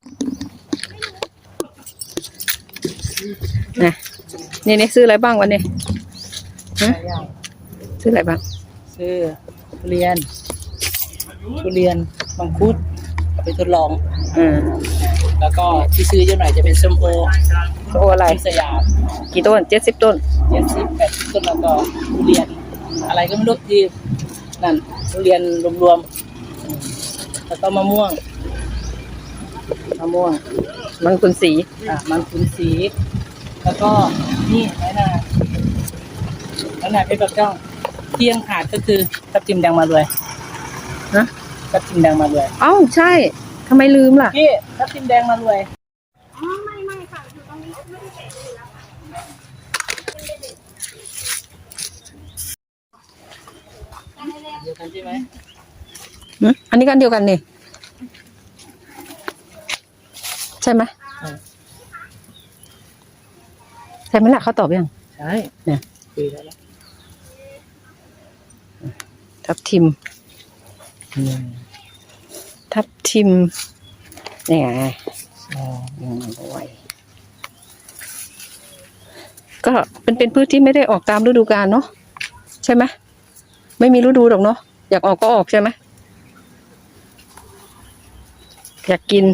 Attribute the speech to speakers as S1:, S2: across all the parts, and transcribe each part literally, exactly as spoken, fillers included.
S1: นะนี่นี่ซื้ออะไรบ้างวันนี้ฮะซื้ออะไรบ้าง
S2: ซื้อทุเรียนทุเรียนมังคุดเอาไปทดลอง
S1: อืม
S2: แล้วก็ที่ซื้อเยอะหน่อยจะเป็นส้มโอ
S1: ส้มโออะไร
S2: สยาม
S1: กี่ต้นเจ็ดสิบต้น
S2: เจ็ดสิบแปดสิบต้นแล้วก็ทุเรียนอะไรก็ไม่รู้ที่นั่นทุเรียนรวมๆแล้วก็มะม่วงมะม่วง
S1: มังคุดสี
S2: อ่ะมันคุนสีแล้วก็นี่ไหนน่ะแล้วน่ะเป็นแบบเจ้าเที่ยงขาดก็คือทับทิมแดงมาเลย
S1: นะ
S2: ทับทิมแดงมาเลย
S1: เอ้าใช่ทำไมลืมล่ะ
S2: พี่ทับทิมแดงมาเลย
S3: อ๋อไม่ไม่ค่ะอยู่ตรงนี้ไม่ได้เสร็จอยู่แล้วค่ะ
S2: เดียวกันใช่ไหม
S1: อันนี้กันเดียวกันนี่ใช่ไหมใช่ไหมล่ะเขาตอบยัง
S2: ใช่
S1: เนี่ย
S2: คุยแล้ว
S1: ทับทิมทับทิมนี่ไงยังไม่ไหวก็เป็นเป็นพืชที่ไม่ได้ออกตามฤดูกาลเนาะใช่ไหมไม่มีฤดูหรอกเนาะอยากออกก็ออกใช่ไหมอยากกิน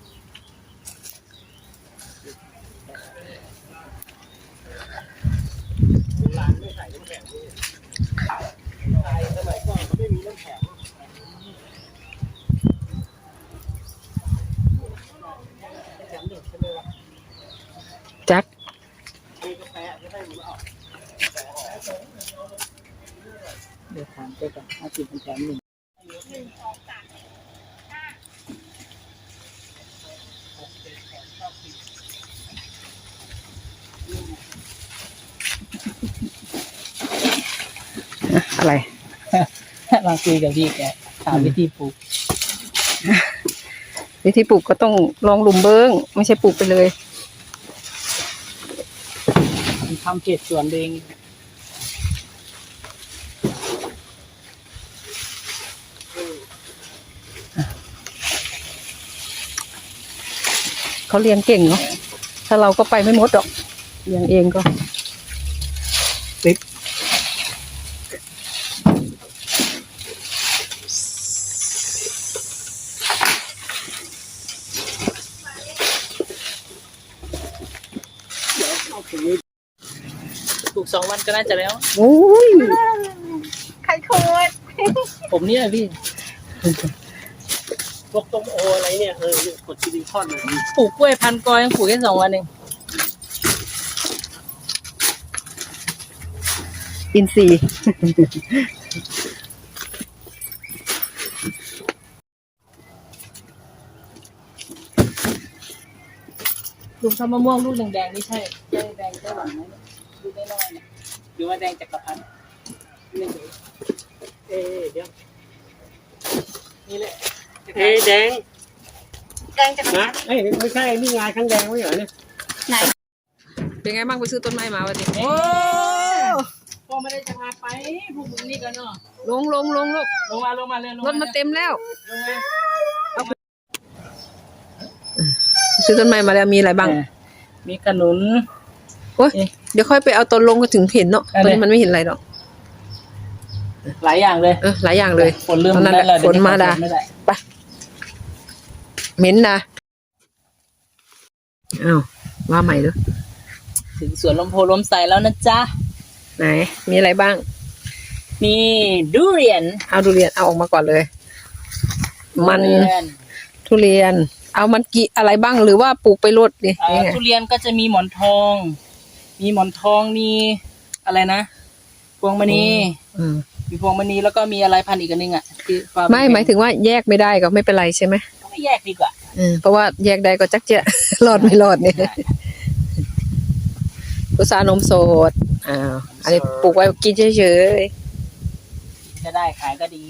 S1: จัก
S2: เดี๋ยวถามไปก่อนห้าสิบเป็นแถมหนึ่ง
S1: อะไร
S2: มาคุยกับพี่แกถามวิธีปลูก
S1: วิธีปลูกก็ต้องลองหลุมเบิ้งไม่ใช่ปลูกไปเลย
S2: ทำเขตสวนเอง
S1: เขาเรียนเก่งเนาะถ้าเราก็ไปไม่หมดหรอกเรียนเองก็
S2: ติดปลูกสองวันก็น่าจะแล้ว
S1: โอ้ย
S3: ใครโคตร
S2: ผมเนี่ยพี่พวกต้มโออะไรเนี่ยเออกดซิลิคอนปลูกกล้วยพันกอยังปลูกแค่สองวันเอง
S1: อินทรีย์
S2: ลูกทำมะม่วงลูกแดงๆนี่ใช่ใช่แดงได้หวานไหมลูกได้น้อยเนี่ยหรือว่าแดงจักรพรรดินี่เอ๊เดี๋ยวนี่แหละเอ๊แดง
S3: แดงจะ
S2: นะเอ้ยไม่ใช่นี่งานข้างแดงไม่เหรอเนี่ย
S3: ไหน
S1: เป็นไงบ้างไปซื้อต้นไม้มาวันนี้
S2: โอ้พ่อไม่ได้จะพาไปพวกมึงนี่กันเนาะ
S1: ลงลงลงลูก
S2: ลงมาลงมาเลย
S1: รถมาเต็มแล้ว
S2: ลงมา
S1: ซื้อต้นไม้มาแล้วมีอะไรบ้าง
S2: มีขนุน
S1: โอ้ยเดี๋ยวค่อยไปเอาตอนลงก็ถึงเห็นเนาะตอนนี้มันไม่เห็นอะไรหรอก
S2: หลายอย่างเลย
S1: เออหลายอย่างเลย
S2: ฝนเริ่ม
S1: ได้แล้วฝนมาดาไปเหม็นนะอ้าวว่าใหม่ด้วย
S2: ถึงสวนลมโพลมใสแล้วนะจ๊ะ
S1: ไหนมีอะไรบ้าง
S2: มีทุเรียน
S1: เอาทุเรียนเอาออกมาก่อนเลยมันทุเรียนเอามันกี่อะไรบ้างหรือว่าปลูกไปรดดิ
S2: ทุเรียนก็จะมีหมอนทองมีหมอนทองมีอะไรนะพวงมณีมีพวงมณีแล้วก็มีอะไรพันอีกอันนึงอ่ะ
S1: ไม่หมายถึงว่าแยกไม่ได้ก็ไม่เป็นไรใช่ไหม
S2: ไม่แยกดีกว่า
S1: เพราะว่าแยกได้ก็จักเจ๊รอดไม่รอดเนี่ยกุศลนมสดอ้าวอันนี้ปลูกไว้กินเฉย
S2: ๆจะได้ขายก็ดี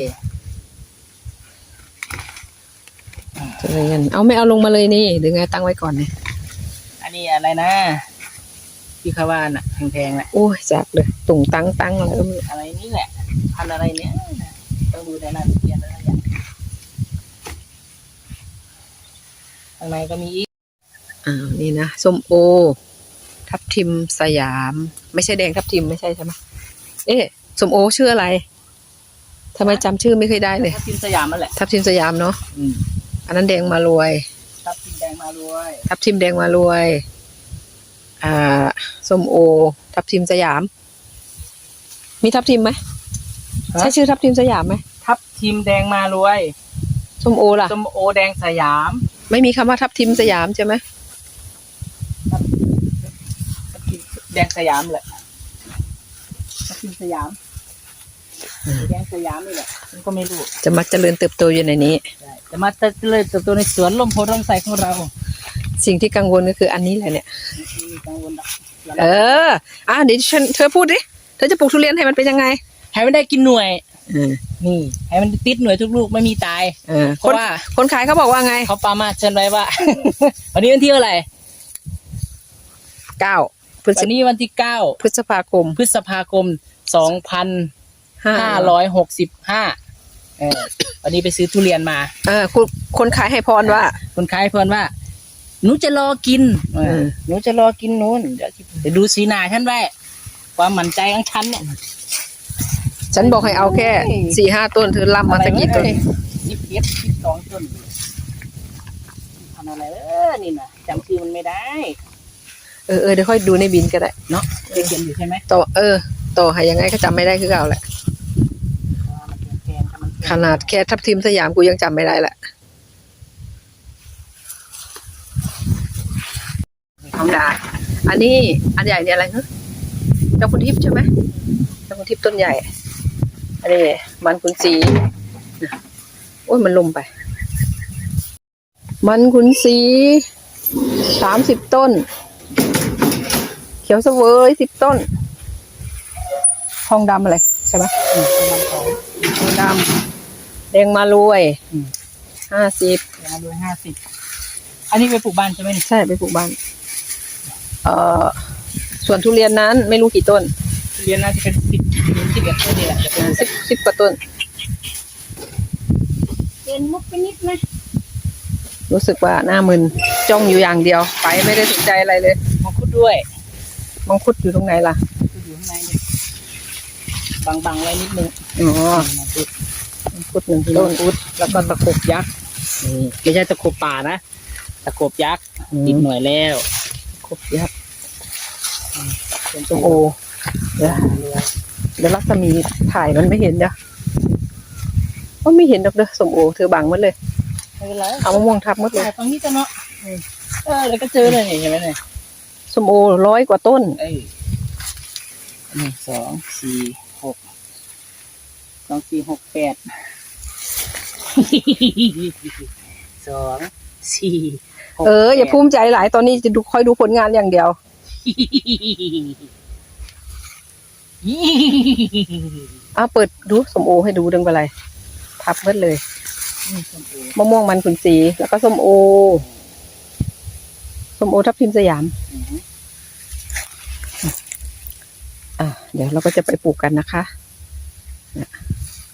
S1: ทุเรียนเอาไม่เอาลงมาเลยนี่หรือไงตั้งไว้ก่อนเนี่ย
S2: อันนี้อะไรนะที่เขาว่าน่ะแพงๆแหละ
S1: โอ้ยจักเลยตุ่งตั้งตั้งอะไร
S2: อะไรนี่แหละพันอะไรเนี้ยต้องดูในนั้นเรียนอะไรอย่างข้างในก็มีอีก
S1: อ่านี่นะส้มโอ ทับทิมสยาม ไม่ใช่แดงทับทิมไม่ใช่ใช่ไหมเอ๊ะส้มโอชื่ออะไรทำไมจำชื่อไม่เคยได้เลย
S2: ทับทิมสยามนั่นแหละ
S1: ทับทิมสยามเนาะ
S2: อืม
S1: อันนั้นแดงมารวย
S2: ทับทิมแดงมารวย
S1: ทับทิมแดงมารวย อ่าส้มโอ ทับทิมสยาม มีทับทิมไหมใช่ชื่อทับทิมสยามไหม
S2: ทับทิมแดงมารวย
S1: ส้มโอล่ะ
S2: ส้มโอแดงสยาม
S1: ไม่มีคำว่าทับทิมสยามใช่ไหม
S2: ทับทิมแดงสยามแหละทับทิมสยามแดงสยามนี่แหละมันก็ไม่รู้
S1: จะมาเจริญเติบโตอยู่ในนี้
S2: ใช่แต่มาเจริญเติบโตในสวนลมโพร่มใสของเรา
S1: สิ่งที่กังวลก็คืออันนี้แหละเนี่ย
S2: ไม่มีกังวลหรอก
S1: เออ อ่ะเดี๋ยวฉันเธอพูดดิ เธอจะปลูกทุเรียนให้มันเป็นยังไง
S2: ให้มันได้กินหน่วย
S1: เออ
S2: นี่ให้มันติดหน่วยทุกลูกไม่มีตาย
S1: เออ
S2: เพ
S1: คน
S2: ราะว่า
S1: คนขายเขาบอกว่าไง
S2: เขาปามาเชิญไว้ว่า วันนี้วันที่เท่าไหร่
S1: เก้าพฤษ
S2: วันนี้วันที่เก้า
S1: พฤษภาคม
S2: พฤษภาคมสองพัน
S1: ห้า
S2: ห้าร้อยหกสิบห้าเออวันนี้ไปซื้อทุเรียนมา
S1: เออคนคนขายให้พรว่า
S2: คนขายเพื่อนว่าหนูจะรอกินเออ
S1: เออ
S2: หนูจะรอกินนู้นเดี๋ยวเดี๋ยวดูสีหน้าฉันไว้ความมั่นใจของฉันเนี่ย
S1: ฉันบอกให้เอาแค่สี่ห้าต้นเธอล่ำมาสักกี่ต้น
S2: สิบเอ็ดสิบสองต้นทำอะไรเออนี่นะจำชื่อมันไม่ได้
S1: เออเออเดี๋ยวค่อยดูในบินก็ได้
S2: เนาะจะเขียนอยู่ใช่ไหม
S1: ต่อเออ ต่อให้ยังไงก็จำไม่ได้คือเก่าแหละ
S2: ว่ามันเป็นแกนถ้ามันเป็น
S1: ขนาดแค่ทับทิมสยามกูยังจำไม่ได้แหละทองดา อันนี้อันใหญ่เนี่ยอะไรฮะเจ้าคุณทิพย์ใช่ไหมเจ้าคุณทิพย์ต้นใหญ่ อันนี้มันขุนศรีโอ้ยมันลมไป มันขุนศรีสามสิบต้น เขียวเสวยสิบต้น ทองดำอะไรใช่ไหม
S2: อืมประมาณสอง
S1: ทองดำแดงมารวย
S2: อืม
S1: ห้าสิบ
S2: ยาโดยห้าสิบอันนี้ไปปลูกบ้านใช่ไหมนี่
S1: ใช่ไปปลูกบ้าน เอ่อส่วนทุเรียนนั้นไม่รู้กี่ต้น
S2: ทุเรียนน่าจะเป็นสิบสิบเอ็ดต้นนี่แหละจะเป็น
S1: สิบสิบกว่าต้น
S3: เดินมุกไปนิดไหม
S1: รู้สึกว่าหน้ามึนจ้องอยู่อย่างเดียว ไปไม่ได้สนใจอะไรเลย
S2: มังคุดด้วย
S1: มังคุดอยู่ตรงไหนล่ะ
S2: มังคุดอยู่ข้างในนี่บังๆไว้นิดนึง
S1: อ๋อ
S2: มังคุด
S1: มังคุดหนึ่ง
S2: ต้
S1: ต้
S2: น
S1: น
S2: อุดแล้วก็ตะขบยักษ์นี่ไม่ใช่ตะขบป่านะตะขบยักษ์
S1: อืม
S2: ติดหน่วยแล้ว
S1: ครบยับ
S2: เป็น
S1: ส้มโอเดี๋ยวเดี๋ยวรัศมีถ่ายมันไม่เห็นเดี๋ยวก็ไม่เห็นดอกเด้อส้มโอเธอบังหมันเลย
S2: ไม่เป็นไร
S1: เอามะม่วงทับหมดเลย
S2: ถ่ายตรงนี้จะเนาะเออแล้วก็เจอเลยนี่เห็นไหมเนี่ย
S1: ส้มโอร้อยกว่าต้น
S2: เอ้ยหนึ่งสองสี่หกสองสี่หกแปดสองสี่หก
S1: เอออย่า
S2: แปด
S1: ภูมิใจหลายตอนนี้จะดูคอยดูผลงานอย่างเดียว เอาเปิดดูส้มโอให้ดูดึงไปเลยทับหมดเลยมะม่วงมันขุนศรีแล้วก็ส้มโอส้มโอทับทิมสยาม อ่ะเดี๋ยวเราก็จะไปปลูกกันนะคะเนี่ยไป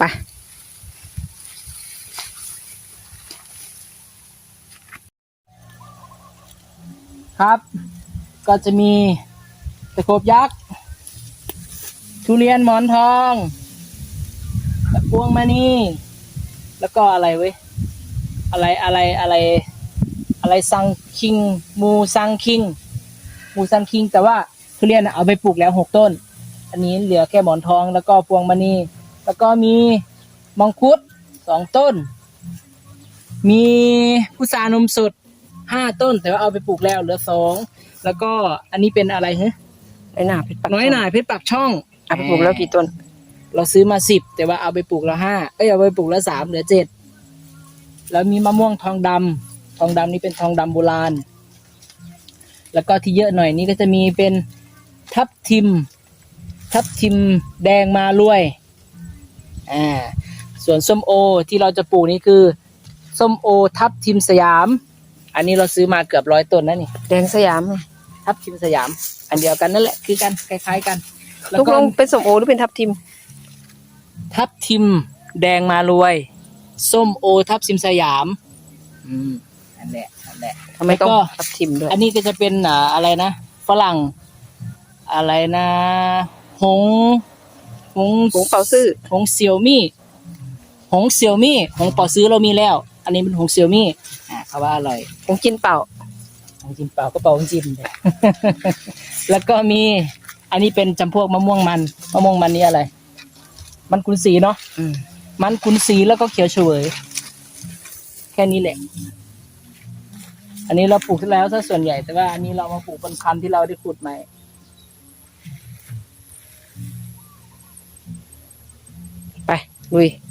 S2: ครับ ก็จะมีตะโขบยักษ์ทุเรียนหมอนทองตะพวงมานี่แล้วก็อะไรเว้ยอะไรอะไรอะไร อะไรซังคิงมูซังคิงมูซังคิงแต่ว่าทุเรียนน่ะเอาไปปลูกแล้วหกต้น อันนี้เหลือแค่หมอนทองแล้วก็พวงมณีแล้วก็มีมังคุดสองต้น มีพุทรานมสดห้าต้น แต่ว่าเอาไปปลูกแล้วเหลือสองแล้วก็อันนี้เป็นอะไรฮะ
S1: ไอ้หนาเพชรปัก
S2: น้อยหน่ายเพชรปักช่อง
S1: เอาไปปลูกแล้วกี่ต้น
S2: เราซื้อมาสิบแต่ว่าเอาไปปลูกแล้วห้าเอ้ยเอาไปปลูกแล้วสามเหลือเจ็ดแล้วมีมะม่วงทองดำทองดำนี่เป็นทองดำโบราณ แล้วก็ที่เยอะหน่อยนี้ก็จะมีเป็นทับทิม ทับทิมแดงมารวยอ่าส่วนส้มโอที่เราจะปลูกนี่คือส้มโอทับทิมสยาม อันนี้เราซื้อมาเกือบร้อยต้นนะนี่
S1: แดงสยาม
S2: ทับทิมสยาม อันเดียวกันนั่นแหละคือกันคล้ายๆกันแล้ว
S1: ทุก
S2: ก็
S1: ลงเป็นส้มโอหรือเป็นทับทิม
S2: ทับทิมแดงมารวยส้มโอทับทิมสยามอืมอันนั่นแหละนั่นแหละ
S1: ทำไมต้อง
S2: แล้วก็
S1: ทับทิมด้วย
S2: อันนี้ก็จะเป็นอ่าอะไรนะฝรั่งอะไรนะหงหง
S1: หงเปาซื่อ
S2: หงเสี่ยวมี่หงเสี่ยวมี่หงเป่าซื้อเรามีแล้ว อันนี้เป็นหงเสี่ยวมี่อ่าเขาว่าอร่อย
S1: หงกินเปล่า
S2: หงจิ้มเปล่าก็เป่าหงจิ้มเลย แล้วก็มี อันนี้เป็นจำพวกมะม่วงมันมะม่วงมันนี่อะไร มันกุนสีเนาะ
S1: อืม
S2: มันกุนสีแล้วก็เขียวเฉวยแค่นี้แหละ อันนี้เราปลูกแล้วซะส่วนใหญ่แต่ว่าอันนี้เรามาปลูกเป็นพันธุ์ที่เราได้ขุดใหม่
S1: ไปลุย